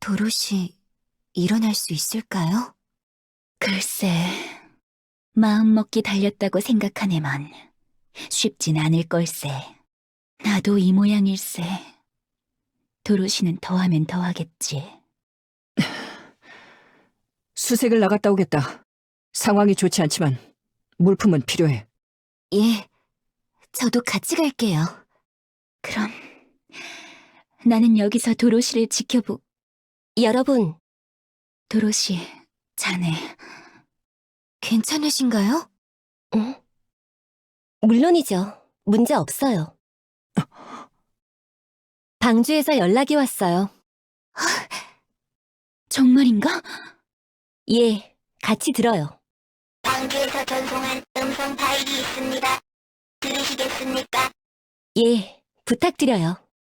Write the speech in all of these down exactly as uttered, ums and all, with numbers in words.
도로시, 일어날 수 있을까요? 글쎄, 마음먹기 달렸다고 생각하네만 쉽진 않을 걸세. 나도 이 모양일세. 도로시는 더하면 더하겠지. 수색을 나갔다 오겠다. 상황이 좋지 않지만 물품은 필요해. 예, 저도 같이 갈게요. 그럼 나는 여기서 도로시를 지켜보... 여러분, 도로시, 자네. 괜찮으신가요? 응? 물론이죠. 문제 없어요. 방주에서 연락이 왔어요. 정말인가? 예, 같이 들어요. 방주에서 전송한 음성 파일이 있습니다. 들으시겠습니까? 예, 부탁드려요.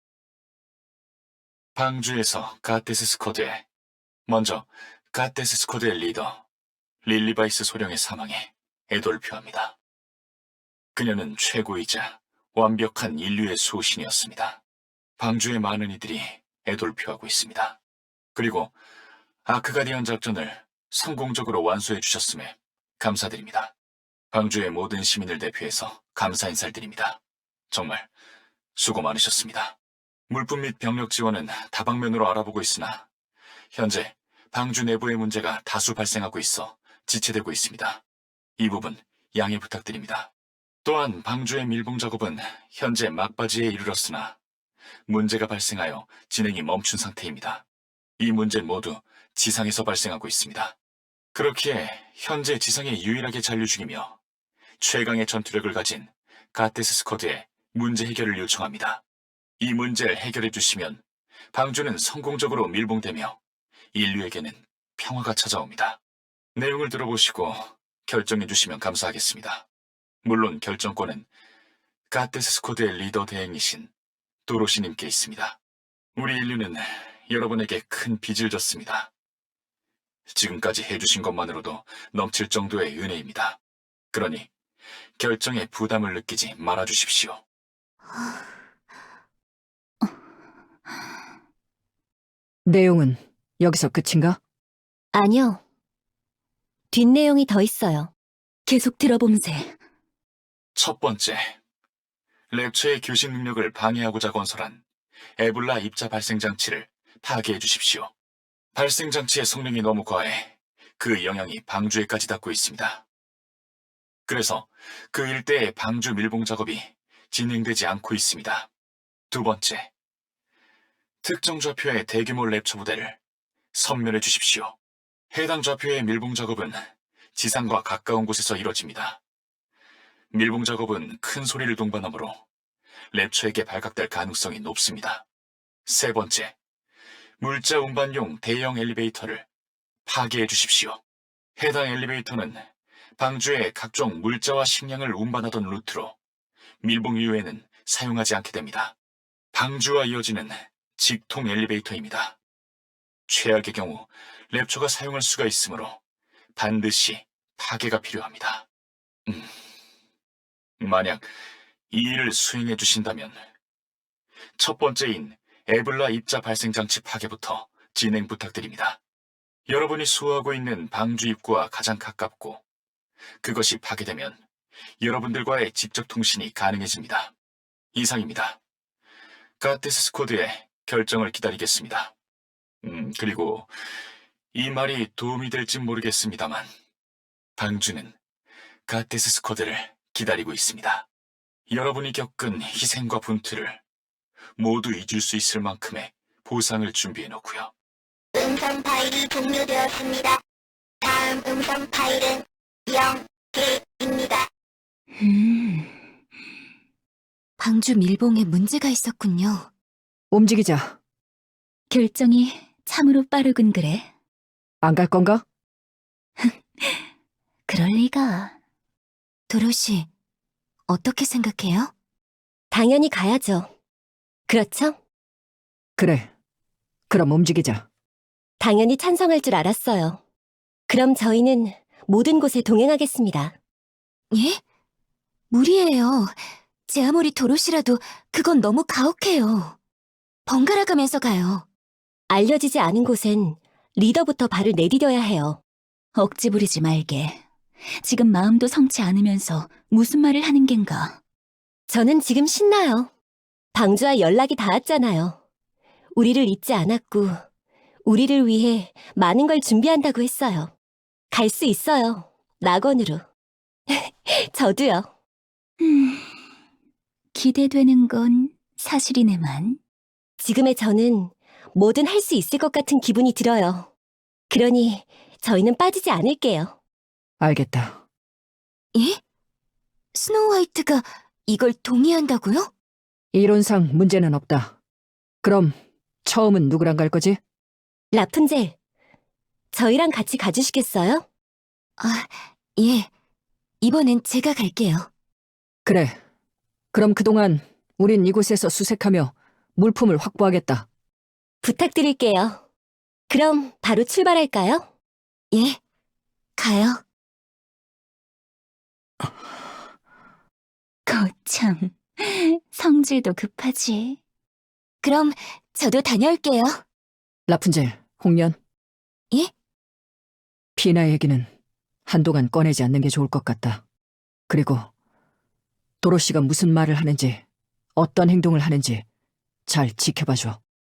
방주에서 가테스 스쿼드에 먼저 가테스 스쿼드의 리더 릴리바이스 소령의 사망에 애도를 표합니다. 그녀는 최고이자 완벽한 인류의 수호신이었습니다. 방주의 많은 이들이 애도를 표하고 있습니다. 그리고 아크가디언 작전을 성공적으로 완수해 주셨음에 감사드립니다. 방주의 모든 시민을 대표해서 감사 인사를 드립니다. 정말 수고 많으셨습니다. 물품 및 병력 지원은 다방면으로 알아보고 있으나 현재 방주 내부의 문제가 다수 발생하고 있어 지체되고 있습니다. 이 부분 양해 부탁드립니다. 또한 방주의 밀봉 작업은 현재 막바지에 이르렀으나 문제가 발생하여 진행이 멈춘 상태입니다. 이 문제는 모두 지상에서 발생하고 있습니다. 그렇기에 현재 지상에 유일하게 잔류 중이며 최강의 전투력을 가진 가테스 스쿼드에 문제 해결을 요청합니다. 이 문제를 해결해 주시면 방주는 성공적으로 밀봉되며 인류에게는 평화가 찾아옵니다. 내용을 들어보시고 결정해 주시면 감사하겠습니다. 물론 결정권은 가테스 스쿼드의 리더 대행이신 도로시님께 있습니다. 우리 인류는 여러분에게 큰 빚을 졌습니다. 지금까지 해주신 것만으로도 넘칠 정도의 은혜입니다. 그러니 결정에 부담을 느끼지 말아주십시오. 내용은 여기서 끝인가? 아니요. 뒷내용이 더 있어요. 계속 들어봄세. 첫 번째, 랩처의 교신 능력을 방해하고자 건설한 에블라 입자 발생 장치를 파괴해 주십시오. 발생 장치의 성능이 너무 과해 그 영향이 방주에까지 닿고 있습니다. 그래서 그 일대의 방주 밀봉 작업이 진행되지 않고 있습니다. 두 번째, 특정 좌표의 대규모 랩처 부대를 섬멸해 주십시오. 해당 좌표의 밀봉 작업은 지상과 가까운 곳에서 이뤄집니다. 밀봉 작업은 큰 소리를 동반하므로 랩처에게 발각될 가능성이 높습니다. 세 번째, 물자 운반용 대형 엘리베이터를 파괴해 주십시오. 해당 엘리베이터는 방주의 각종 물자와 식량을 운반하던 루트로 밀봉 이후에는 사용하지 않게 됩니다. 방주와 이어지는 직통 엘리베이터입니다. 최악의 경우 랩처가 사용할 수가 있으므로 반드시 파괴가 필요합니다. 음, 만약 이 일을 수행해 주신다면 첫 번째인 에블라 입자 발생 장치 파괴부터 진행 부탁드립니다. 여러분이 수호하고 있는 방주 입구와 가장 가깝고 그것이 파괴되면 여러분들과의 직접 통신이 가능해집니다. 이상입니다. 가테스 스쿼드의 결정을 기다리겠습니다. 음, 그리고 이 말이 도움이 될지 모르겠습니다만 방주는 가테스 스쿼드를 기다리고 있습니다. 여러분이 겪은 희생과 분투를 모두 잊을 수 있을 만큼의 보상을 준비해 놓고요. 음성 파일이 종료되었습니다. 다음 음성 파일은 영 개입니다. 음... 방주 밀봉에 문제가 있었군요. 움직이자. 결정이 참으로 빠르군 그래. 안 갈 건가? 그럴 리가. 도로시, 어떻게 생각해요? 당연히 가야죠. 그렇죠? 그래. 그럼 움직이자. 당연히 찬성할 줄 알았어요. 그럼 저희는 모든 곳에 동행하겠습니다. 예? 무리예요. 제 아무리 도로시라도 그건 너무 가혹해요. 번갈아 가면서 가요. 알려지지 않은 곳엔 리더부터 발을 내디뎌야 해요. 억지 부리지 말게. 지금 마음도 성치 않으면서 무슨 말을 하는 겐가. 저는 지금 신나요. 방주와 연락이 닿았잖아요. 우리를 잊지 않았고 우리를 위해 많은 걸 준비한다고 했어요. 갈 수 있어요. 낙원으로. 저도요. 음, 기대되는 건 사실이네만. 지금의 저는 뭐든 할 수 있을 것 같은 기분이 들어요. 그러니 저희는 빠지지 않을게요. 알겠다. 예? 스노우 화이트가 이걸 동의한다고요? 이론상 문제는 없다. 그럼 처음은 누구랑 갈 거지? 라푼젤, 저희랑 같이 가주시겠어요? 아, 예. 이번엔 제가 갈게요. 그래. 그럼 그동안 우린 이곳에서 수색하며 물품을 확보하겠다. 부탁드릴게요. 그럼 바로 출발할까요? 예. 가요. 거참, 성질도 급하지. 그럼 저도 다녀올게요. 라푼젤, 홍련. 예? 피나 얘기는 한동안 꺼내지 않는 게 좋을 것 같다. 그리고 도로시가 무슨 말을 하는지, 어떤 행동을 하는지 잘 지켜봐줘.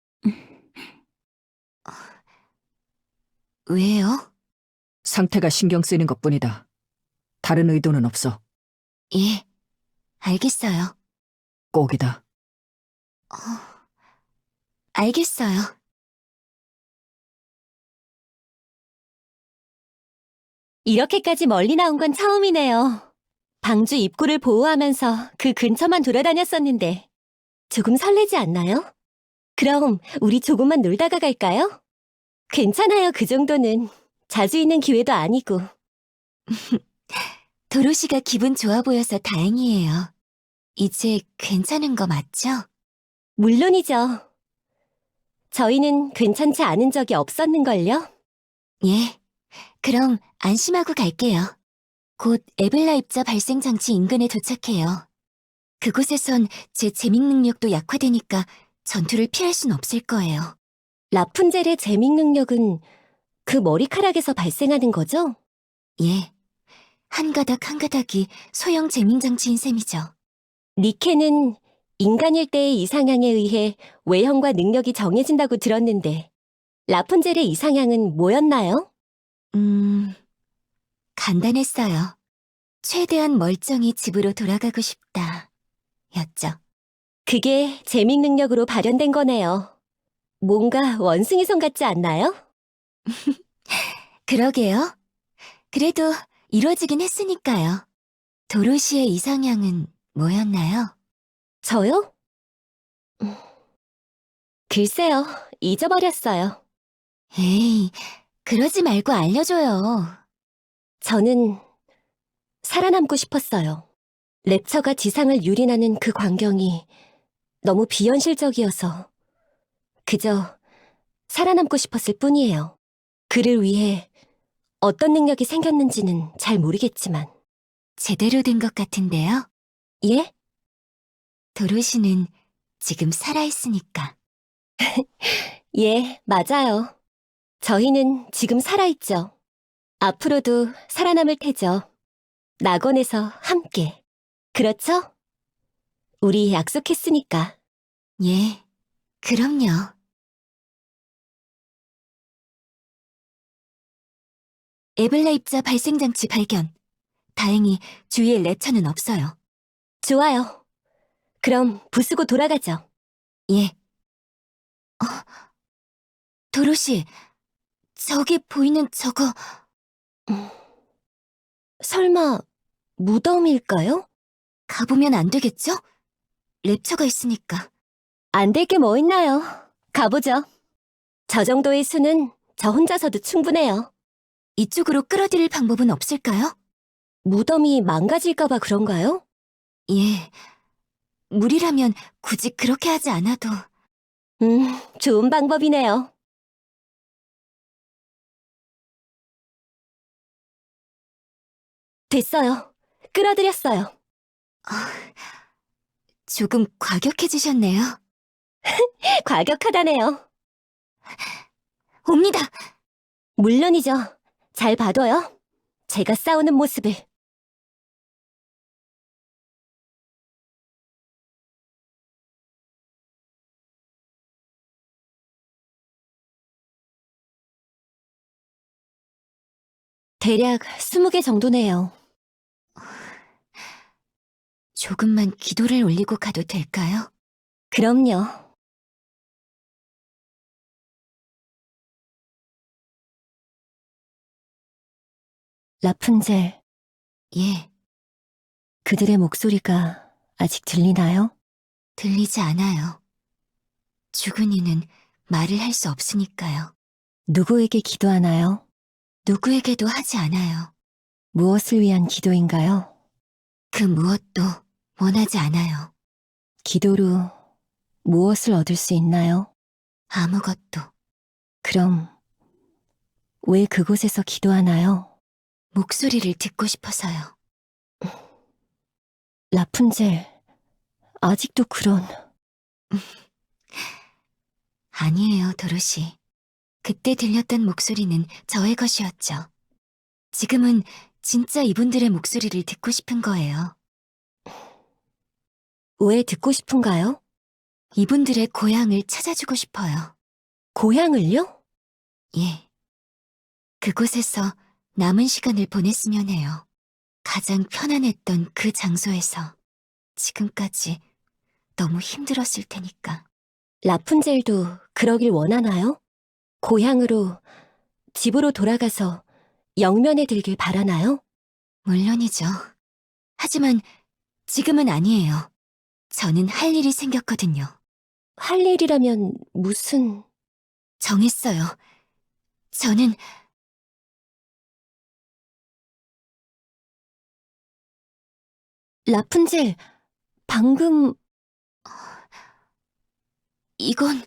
왜요? 상태가 신경 쓰이는 것뿐이다. 다른 의도는 없어. 예. 알겠어요. 꼭이다. 어, 알겠어요. 이렇게까지 멀리 나온 건 처음이네요. 방주 입구를 보호하면서 그 근처만 돌아다녔었는데 조금 설레지 않나요? 그럼 우리 조금만 놀다가 갈까요? 괜찮아요, 그 정도는. 자주 있는 기회도 아니고. 도로시가 기분 좋아 보여서 다행이에요. 이제 괜찮은 거 맞죠? 물론이죠. 저희는 괜찮지 않은 적이 없었는걸요? 예. 그럼 안심하고 갈게요. 곧 에블라 입자 발생 장치 인근에 도착해요. 그곳에선 제 재밍 능력도 약화되니까 전투를 피할 순 없을 거예요. 라푼젤의 재밍 능력은 그 머리카락에서 발생하는 거죠? 예. 한 가닥 한 가닥이 소형 재밍 장치인 셈이죠. 니케는 인간일 때의 이상향에 의해 외형과 능력이 정해진다고 들었는데 라푼젤의 이상향은 뭐였나요? 음... 간단했어요. 최대한 멀쩡히 집으로 돌아가고 싶다. 였죠. 그게 재밍 능력으로 발현된 거네요. 뭔가 원숭이손 같지 않나요? 그러게요. 그래도 이루어지긴 했으니까요. 도로시의 이상향은 뭐였나요? 저요? 음, 글쎄요, 잊어버렸어요. 에이, 그러지 말고 알려줘요. 저는 살아남고 싶었어요. 랩처가 지상을 유린하는 그 광경이 너무 비현실적이어서 그저 살아남고 싶었을 뿐이에요. 그를 위해 어떤 능력이 생겼는지는 잘 모르겠지만. 제대로 된 것 같은데요? 예? 도로시는 지금 살아있으니까. 예, 맞아요. 저희는 지금 살아있죠. 앞으로도 살아남을 테죠. 낙원에서 함께. 그렇죠? 우리 약속했으니까. 예, 그럼요. 에블라 입자 발생 장치 발견. 다행히 주위에 랩처는 없어요. 좋아요. 그럼 부수고 돌아가죠. 예. 어, 도로시, 저기 보이는 저거... 음, 설마 무덤일까요? 가보면 안 되겠죠? 랩처가 있으니까. 안 될 게 뭐 있나요? 가보죠. 저 정도의 수는 저 혼자서도 충분해요. 이쪽으로 끌어들일 방법은 없을까요? 무덤이 망가질까봐 그런가요? 예. 물이라면 굳이 그렇게 하지 않아도... 음, 좋은 방법이네요. 됐어요. 끌어들였어요. 아, 조금 과격해지셨네요. 과격하다네요. 옵니다. 물론이죠. 잘 봐둬요. 제가 싸우는 모습을. 대략 스무 개 정도네요. 조금만 기도를 올리고 가도 될까요? 그럼요. 라푼젤, 예, 그들의 목소리가 아직 들리나요? 들리지 않아요. 죽은 이는 말을 할 수 없으니까요. 누구에게 기도하나요? 누구에게도 하지 않아요. 무엇을 위한 기도인가요? 그 무엇도 원하지 않아요. 기도로 무엇을 얻을 수 있나요? 아무것도. 그럼 왜 그곳에서 기도하나요? 목소리를 듣고 싶어서요. 라푼젤, 아직도 그런... 아니에요, 도로시. 그때 들렸던 목소리는 저의 것이었죠. 지금은 진짜 이분들의 목소리를 듣고 싶은 거예요. 왜 듣고 싶은가요? 이분들의 고향을 찾아주고 싶어요. 고향을요? 예. 그곳에서 남은 시간을 보냈으면 해요. 가장 편안했던 그 장소에서 지금까지 너무 힘들었을 테니까. 라푼젤도 그러길 원하나요? 고향으로, 집으로 돌아가서 영면에 들길 바라나요? 물론이죠. 하지만 지금은 아니에요. 저는 할 일이 생겼거든요. 할 일이라면 무슨... 정했어요. 저는 라푼젤, 방금... 이건...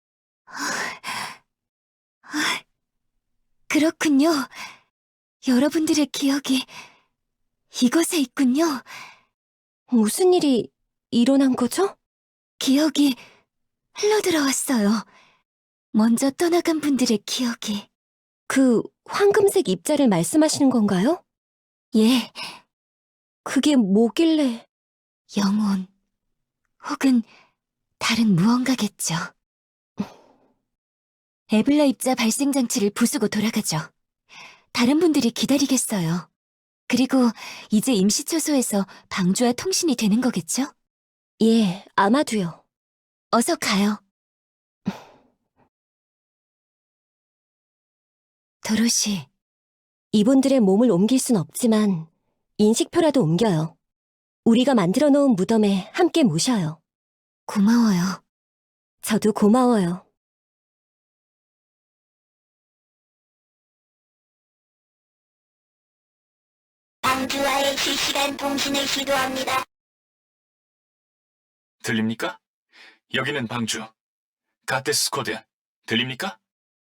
그렇군요. 여러분들의 기억이 이곳에 있군요. 무슨 일이 일어난 거죠? 기억이 흘러들어왔어요. 먼저 떠나간 분들의 기억이. 그 황금색 입자를 말씀하시는 건가요? 예, 그게 뭐길래... 영혼. 혹은 다른 무언가겠죠. 에블라 입자 발생 장치를 부수고 돌아가죠. 다른 분들이 기다리겠어요. 그리고 이제 임시초소에서 방주와 통신이 되는 거겠죠? 예, 아마도요. 어서 가요. 도로시, 이분들의 몸을 옮길 순 없지만 인식표라도 옮겨요. 우리가 만들어 놓은 무덤에 함께 모셔요. 고마워요. 저도 고마워요. 방주와의 실시간 통신을 시도합니다. 들립니까? 여기는 방주. 가테스 스쿼드. 들립니까?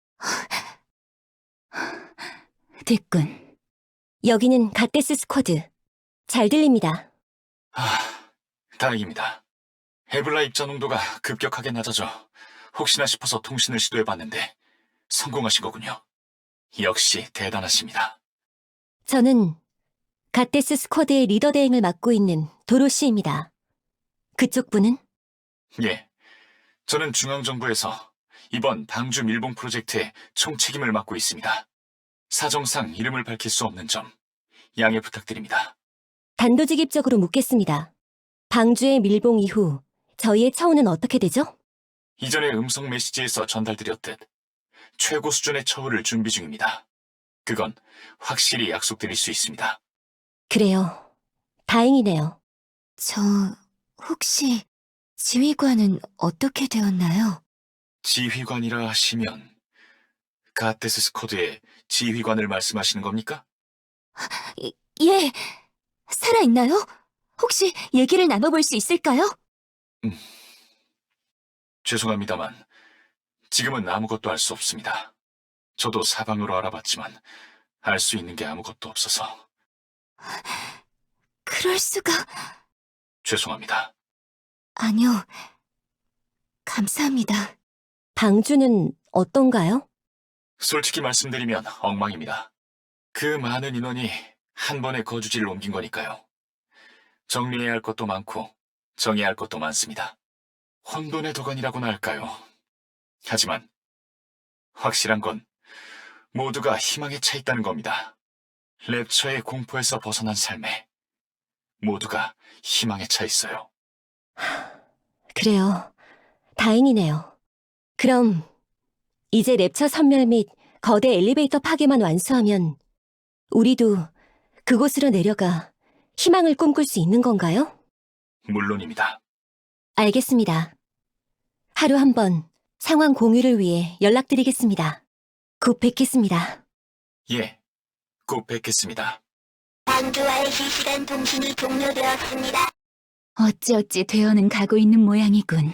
됐군. 여기는 갓데스 스쿼드. 잘 들립니다. 아, 다행입니다. 에블라 입자 농도가 급격하게 낮아져 혹시나 싶어서 통신을 시도해봤는데 성공하신 거군요. 역시 대단하십니다. 저는 갓데스 스쿼드의 리더 대행을 맡고 있는 도로시입니다. 그쪽 분은? 예, 저는 중앙정부에서 이번 방주 밀봉 프로젝트의 총책임을 맡고 있습니다. 사정상 이름을 밝힐 수 없는 점 양해 부탁드립니다. 단도직입적으로 묻겠습니다. 방주의 밀봉 이후 저희의 처우는 어떻게 되죠? 이전에 음성 메시지에서 전달드렸듯 최고 수준의 처우를 준비 중입니다. 그건 확실히 약속드릴 수 있습니다. 그래요. 다행이네요. 저 혹시 지휘관은 어떻게 되었나요? 지휘관이라 하시면 가테스 스쿼드의 지휘관을 말씀하시는 겁니까? 이- 예, 살아있나요? 혹시 얘기를 나눠볼 수 있을까요? 죄송합니다만 지금은 아무것도 알 수 없습니다. 저도 사방으로 알아봤지만 알 수 있는 게 아무것도 없어서 그럴 수가... 죄송합니다. 아니요. 감사합니다. 방주는 어떤가요? 솔직히 말씀드리면 엉망입니다. 그 많은 인원이 한 번에 거주지를 옮긴 거니까요. 정리해야 할 것도 많고 정해야 할 것도 많습니다. 혼돈의 도가니라고나 할까요? 하지만 확실한 건 모두가 희망에 차 있다는 겁니다. 랩처의 공포에서 벗어난 삶에 모두가 희망에 차 있어요. 그래요. 다행이네요. 그럼 이제 랩처 선멸 및 거대 엘리베이터 파괴만 완수하면 우리도 그곳으로 내려가 희망을 꿈꿀 수 있는 건가요? 물론입니다. 알겠습니다. 하루 한 번 상황 공유를 위해 연락드리겠습니다. 곧 뵙겠습니다. 예, 곧 뵙겠습니다. 방주와의 실시간 통신이 종료되었습니다. 어찌어찌 되어는 가고 있는 모양이군.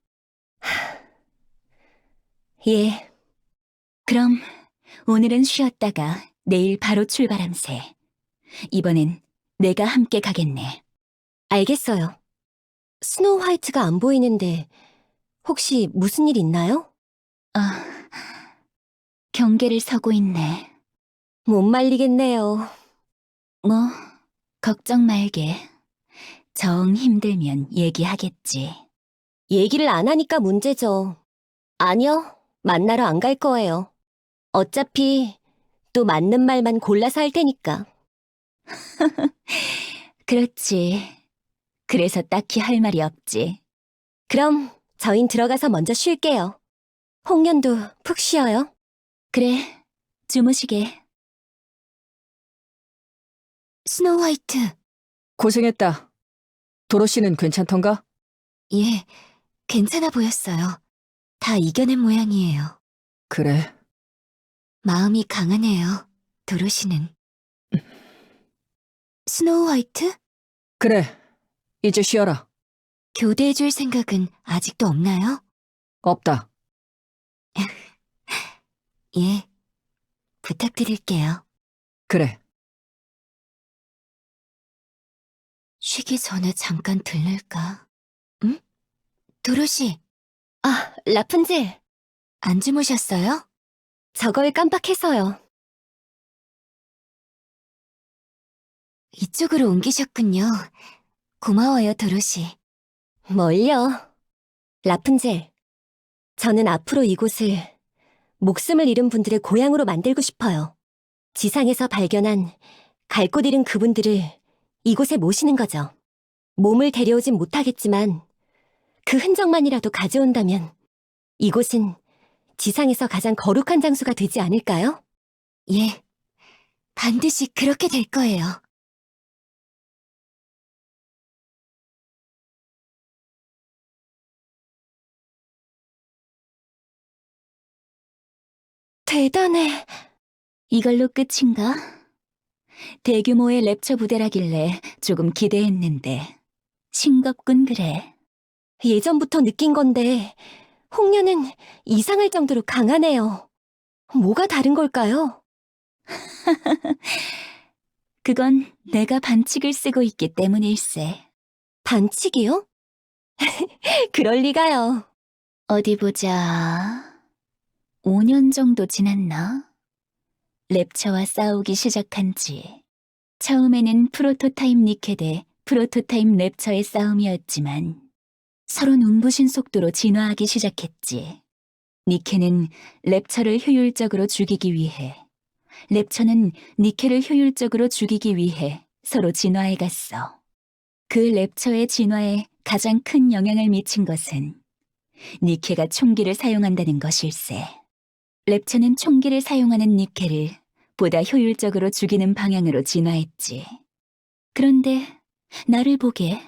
예, 그럼 오늘은 쉬었다가 내일 바로 출발함세. 이번엔 내가 함께 가겠네. 알겠어요. 스노우 화이트가 안 보이는데 혹시 무슨 일 있나요? 아, 경계를 서고 있네. 못 말리겠네요. 뭐, 걱정 말게. 정 힘들면 얘기하겠지. 얘기를 안 하니까 문제죠. 아니요, 만나러 안 갈 거예요. 어차피 또 맞는 말만 골라서 할 테니까. 그렇지. 그래서 딱히 할 말이 없지. 그럼 저흰 들어가서 먼저 쉴게요. 홍련도 푹 쉬어요. 그래, 주무시게. 스노우 화이트. 고생했다. 도로시는 괜찮던가? 예, 괜찮아 보였어요. 다 이겨낸 모양이에요. 그래. 마음이 강하네요, 도로시는. 스노우 화이트? 그래. 이제 쉬어라. 교대해줄 생각은 아직도 없나요? 없다. 예, 부탁드릴게요. 그래. 쉬기 전에 잠깐 들를까? 응? 도로시, 아, 라푼젤. 안 주무셨어요? 저걸 깜빡해서요. 이쪽으로 옮기셨군요. 고마워요, 도로시. 뭘요? 라푼젤. 저는 앞으로 이곳을 목숨을 잃은 분들의 고향으로 만들고 싶어요. 지상에서 발견한 갈 곳 잃은 그분들을 이곳에 모시는 거죠. 몸을 데려오진 못하겠지만 그 흔적만이라도 가져온다면 이곳은 지상에서 가장 거룩한 장소가 되지 않을까요? 예, 반드시 그렇게 될 거예요. 대단해. 이걸로 끝인가? 대규모의 랩처 부대라길래 조금 기대했는데 싱겁군 그래. 예전부터 느낀 건데 홍련은 이상할 정도로 강하네요. 뭐가 다른 걸까요? 그건 내가 반칙을 쓰고 있기 때문일세. 반칙이요? 그럴 리가요. 어디 보자. 오 년 정도 지났나? 랩처와 싸우기 시작한 지. 처음에는 프로토타입 니케 대 프로토타입 랩처의 싸움이었지만 서로 눈부신 속도로 진화하기 시작했지. 니케는 랩처를 효율적으로 죽이기 위해, 랩처는 니케를 효율적으로 죽이기 위해 서로 진화해갔어. 그 랩처의 진화에 가장 큰 영향을 미친 것은 니케가 총기를 사용한다는 것일세. 랩처는 총기를 사용하는 니케를 보다 효율적으로 죽이는 방향으로 진화했지. 그런데 나를 보게.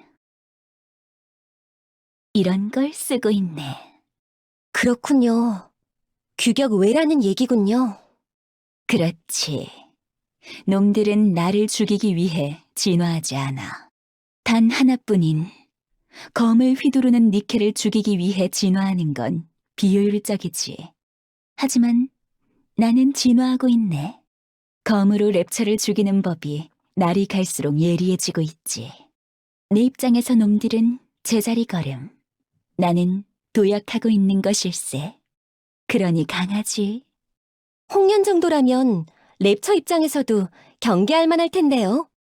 이런 걸 쓰고 있네. 그렇군요. 규격 외라는 얘기군요. 그렇지. 놈들은 나를 죽이기 위해 진화하지 않아. 단 하나뿐인 검을 휘두르는 니케를 죽이기 위해 진화하는 건 비효율적이지. 하지만 나는 진화하고 있네. 검으로 랩처를 죽이는 법이 날이 갈수록 예리해지고 있지. 내 입장에서 놈들은 제자리 걸음. 나는 도약하고 있는 것일세. 그러니 강하지. 홍련 정도라면 랩처 입장에서도 경계할 만할 텐데요.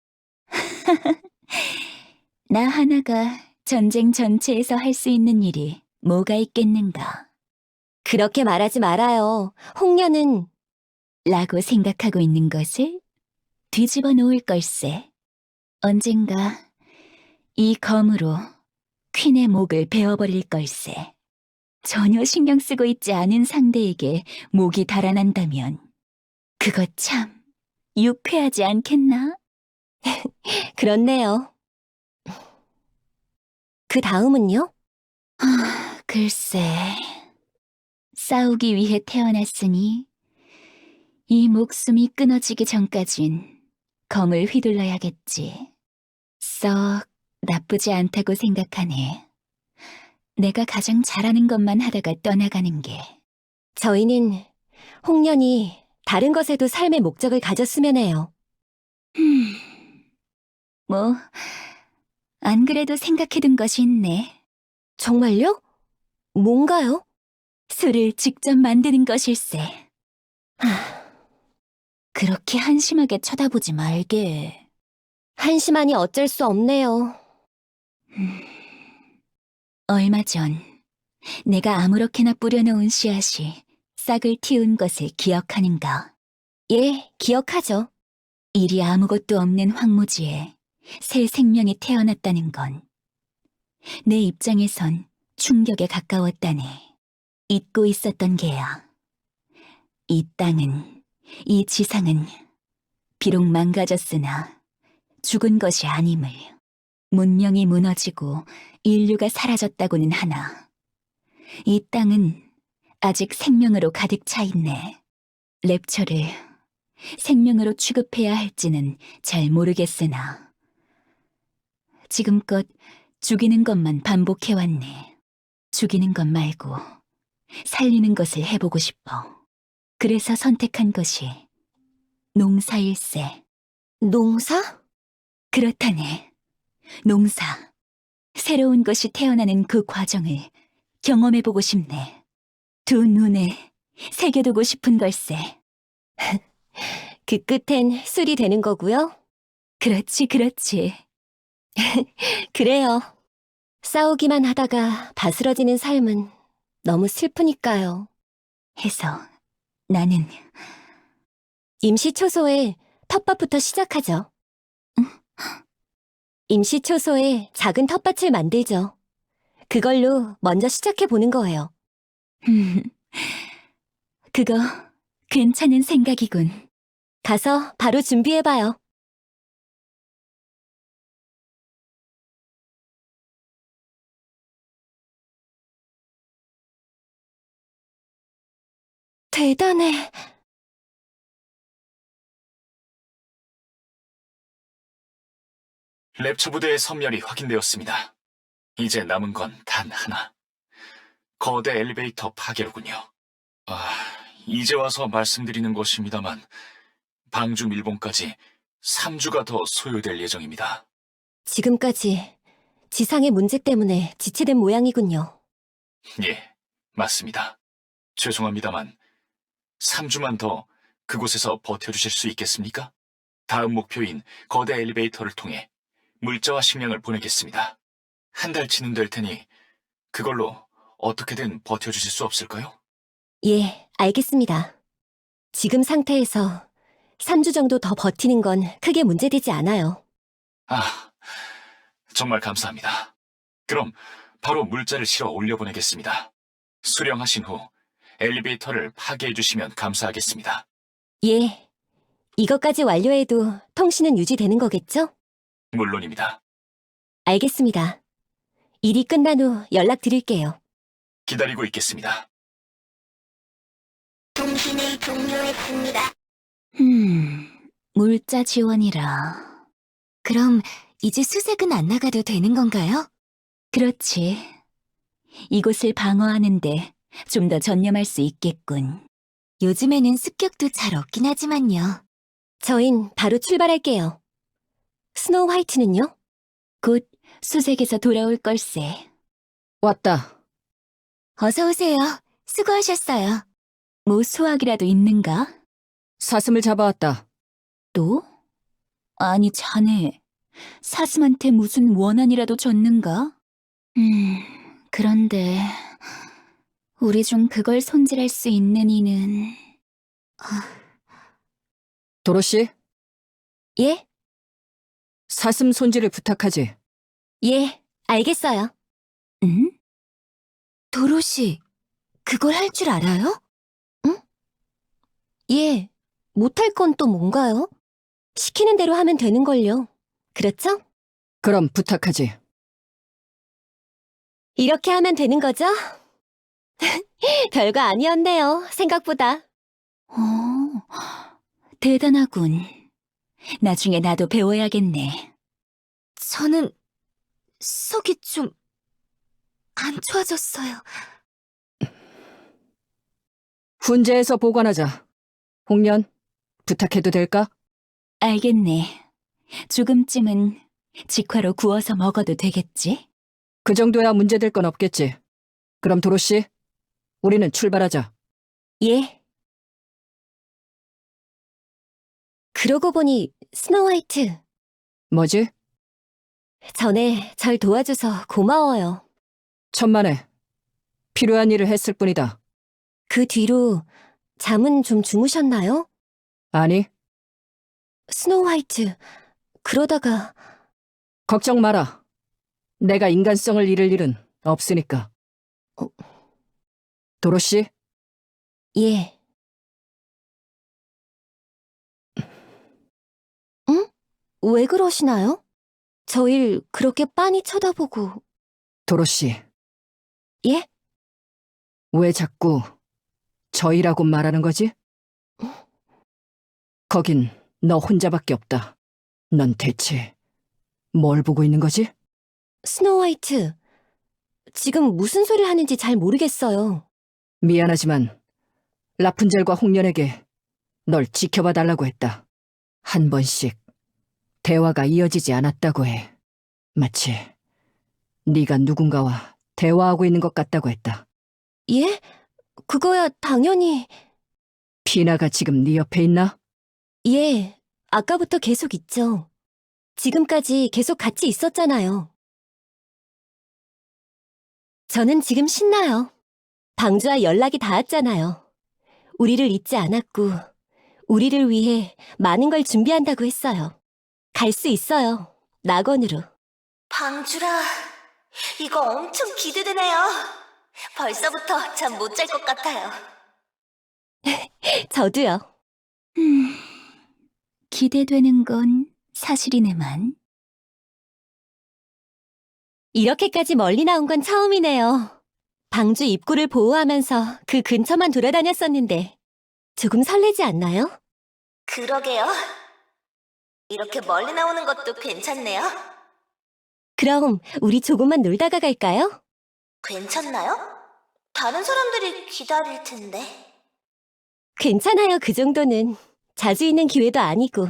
나 하나가 전쟁 전체에서 할 수 있는 일이 뭐가 있겠는가. 그렇게 말하지 말아요. 홍련은 라고 생각하고 있는 것을 뒤집어 놓을 걸세. 언젠가 이 검으로 퀸의 목을 베어버릴 걸세. 전혀 신경 쓰고 있지 않은 상대에게 목이 달아난다면 그거 참 유쾌하지 않겠나? 그렇네요. 그 다음은요? 아, 글쎄. 싸우기 위해 태어났으니 이 목숨이 끊어지기 전까진 검을 휘둘러야겠지. 썩 나쁘지 않다고 생각하네. 내가 가장 잘하는 것만 하다가 떠나가는 게. 저희는 홍련이 다른 것에도 삶의 목적을 가졌으면 해요. 음, 뭐, 안 그래도 생각해둔 것이 있네. 정말요? 뭔가요? 술을 직접 만드는 것일세. 하, 그렇게 한심하게 쳐다보지 말게. 한심하니 어쩔 수 없네요. 음, 얼마 전 내가 아무렇게나 뿌려놓은 씨앗이 싹을 틔운 것을 기억하는가? 예, 기억하죠. 일이 아무것도 없는 황무지에 새 생명이 태어났다는 건 내 입장에선 충격에 가까웠다네. 잊고 있었던 게야. 이 땅은, 이 지상은 비록 망가졌으나 죽은 것이 아님을. 문명이 무너지고 인류가 사라졌다고는 하나 이 땅은 아직 생명으로 가득 차 있네. 랩처를 생명으로 취급해야 할지는 잘 모르겠으나 지금껏 죽이는 것만 반복해왔네. 죽이는 것 말고 살리는 것을 해보고 싶어. 그래서 선택한 것이 농사일세. 농사? 그렇다네. 농사. 새로운 것이 태어나는 그 과정을 경험해보고 싶네. 두 눈에 새겨두고 싶은 걸세. 그 끝엔 술이 되는 거고요. 그렇지, 그렇지. 그래요. 싸우기만 하다가 바스러지는 삶은 너무 슬프니까요. 해서 나는 임시초소에 텃밭부터 시작하죠. 임시초소에 작은 텃밭을 만들죠. 그걸로 먼저 시작해보는 거예요. 음, 그거 괜찮은 생각이군. 가서 바로 준비해봐요. 대단해. 랩처 부대의 섬멸이 확인되었습니다. 이제 남은 건 단 하나. 거대 엘리베이터 파괴로군요. 아, 이제 와서 말씀드리는 것입니다만 방주 밀봉까지 삼 주가 더 소요될 예정입니다. 지금까지 지상의 문제 때문에 지체된 모양이군요. 예, 맞습니다. 죄송합니다만 삼 주만 더 그곳에서 버텨주실 수 있겠습니까? 다음 목표인 거대 엘리베이터를 통해 물자와 식량을 보내겠습니다. 한 달치는 될 테니 그걸로 어떻게든 버텨주실 수 없을까요? 예, 알겠습니다. 지금 상태에서 삼 주 정도 더 버티는 건 크게 문제되지 않아요. 아, 정말 감사합니다. 그럼 바로 물자를 실어 올려보내겠습니다. 수령하신 후 엘리베이터를 파괴해 주시면 감사하겠습니다. 예, 이것까지 완료해도 통신은 유지되는 거겠죠? 물론입니다. 알겠습니다. 일이 끝난 후 연락드릴게요. 기다리고 있겠습니다. 통신을 종료했습니다. 음, 물자 지원이라. 그럼 이제 수색은 안 나가도 되는 건가요? 그렇지. 이곳을 방어하는데 좀 더 전념할 수 있겠군. 요즘에는 습격도 잘 없긴 하지만요. 저흰 바로 출발할게요. 스노우 화이트는요? 곧 수색에서 돌아올 걸세. 왔다. 어서 오세요. 수고하셨어요. 뭐 수학이라도 있는가? 사슴을 잡아왔다. 또? 아니, 자네, 사슴한테 무슨 원한이라도 줬는가? 음, 그런데, 우리 중 그걸 손질할 수 있는 이는, 도로시, 예? 사슴 손질을 부탁하지. 예, 알겠어요. 응? 도로시, 그걸 할 줄 알아요? 예, 못할 건 또 뭔가요? 시키는 대로 하면 되는걸요. 그렇죠? 그럼 부탁하지. 이렇게 하면 되는 거죠? 별거 아니었네요, 생각보다. 어, 대단하군. 나중에 나도 배워야겠네. 저는 속이 좀 안 좋아졌어요. 훈제에서 보관하자. 홍련, 부탁해도 될까? 알겠네. 조금쯤은 직화로 구워서 먹어도 되겠지? 그 정도야 문제될 건 없겠지. 그럼 도로시, 우리는 출발하자. 예. 그러고 보니 스노우화이트, 뭐지? 전에 절 도와줘서 고마워요. 천만에. 필요한 일을 했을 뿐이다. 그 뒤로 잠은 좀 주무셨나요? 아니, 스노우화이트, 그러다가 걱정 마라. 내가 인간성을 잃을 일은 없으니까. 어. 도로시, 예. 응? 왜 그러시나요? 저일 그렇게 빤히 쳐다보고. 도로시, 예? 왜 자꾸 저희라고 말하는 거지? 거긴 너 혼자밖에 없다. 넌 대체 뭘 보고 있는 거지? 스노우화이트, 지금 무슨 소리를 하는지 잘 모르겠어요. 미안하지만 라푼젤과 홍련에게 널 지켜봐 달라고 했다. 한 번씩 대화가 이어지지 않았다고 해. 마치 네가 누군가와 대화하고 있는 것 같다고 했다. 예? 그거야 당연히. 피나가 지금 네 옆에 있나? 예, 아까부터 계속 있죠. 지금까지 계속 같이 있었잖아요. 저는 지금 신나요. 방주와 연락이 닿았잖아요. 우리를 잊지 않았고, 우리를 위해 많은 걸 준비한다고 했어요. 갈 수 있어요. 낙원으로. 방주라, 이거 엄청 기대되네요. 벌써부터 잠 못 잘 것 같아요. 저도요. 음, 기대되는 건 사실이네만. 이렇게까지 멀리 나온 건 처음이네요. 방주 입구를 보호하면서 그 근처만 돌아다녔었는데 조금 설레지 않나요? 그러게요. 이렇게 멀리 나오는 것도 괜찮네요. 그럼 우리 조금만 놀다가 갈까요? 괜찮나요? 다른 사람들이 기다릴 텐데. 괜찮아요, 그 정도는. 자주 있는 기회도 아니고.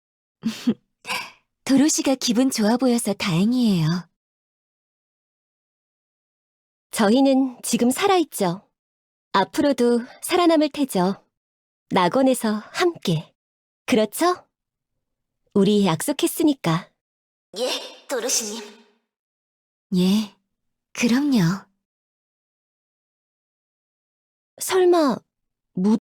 도로시가 기분 좋아 보여서 다행이에요. 저희는 지금 살아있죠. 앞으로도 살아남을 테죠. 낙원에서 함께. 그렇죠? 우리 약속했으니까. 예, 도르시님. 예, 그럼요. 설마